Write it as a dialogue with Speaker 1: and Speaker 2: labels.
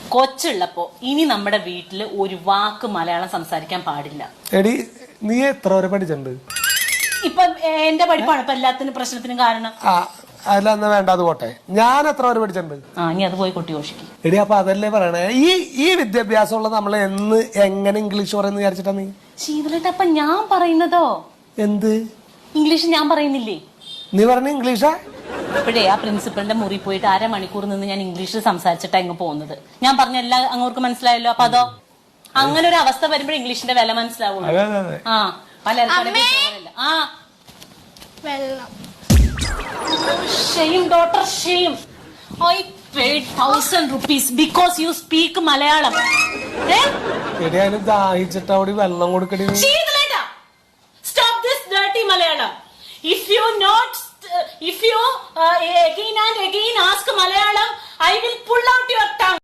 Speaker 1: കൊച്ചുള്ളപ്പോ ഇനി നമ്മുടെ വീട്ടില് ഒരു വാക്ക് മലയാളം സംസാരിക്കാൻ പാടില്ല.
Speaker 2: എടി നീ എത്ര വരെ പഠിച്ചിട്ടുണ്ട്?
Speaker 1: ഇപ്പൊ എന്റെ പഠിപ്പാണ് ഇപ്പൊ എല്ലാത്തിനും പ്രശ്നത്തിനും കാരണം.
Speaker 2: അതിലെന്നാ വേണ്ട, അത് പോട്ടെ. ഞാൻ എത്ര വരെ പഠിച്ചിട്ടുണ്ട്?
Speaker 1: ഇനി അത് പോയി കുട്ടി ഘോഷിക്കും.
Speaker 2: എടി അപ്പൊ അതല്ലേ പറയണേ, ഈ വിദ്യാഭ്യാസമുള്ള നമ്മള് എങ്ങനെ ഇംഗ്ലീഷ് പറയുന്ന വിചാരിച്ചിട്ടാ നീ?
Speaker 1: ശീതളേട്ട അപ്പൊ ഞാൻ പറയുന്നതോ
Speaker 2: എന്ത്
Speaker 1: ഇംഗ്ലീഷ് ഞാൻ പറയുന്നില്ലേ?
Speaker 2: നീ പറഞ്ഞ ഇംഗ്ലീഷാ?
Speaker 1: ഇപ്പോഴേ ആ പ്രിൻസിപ്പളിന്റെ മുറി പോയിട്ട് 1/2 മണിക്കൂർ നിന്ന് ഞാൻ ഇംഗ്ലീഷിൽ സംസാരിച്ചിട്ടാ ഇങ്ങ് പോകുന്നത്. ഞാൻ പറഞ്ഞ എല്ലാം അങ്ങോട്ട് മനസ്സിലായല്ലോ. അപ്പൊ അതോ അങ്ങനെ ഒരു അവസ്ഥ വരുമ്പോൾ ഇംഗ്ലീഷിന്റെ വില മനസ്സിലാവുള്ളൂ. പലർക്കും shame daughter shame. I paid 1,000 rupees because you speak Malayalam.
Speaker 2: എടി അതിന് ദാഹിച്ചിട്ട് അവിടെ വെള്ളം കൊടുക്കടി.
Speaker 1: Stop this dirty Malayalam. If you again and again ask Malayalam, I will pull out your tongue.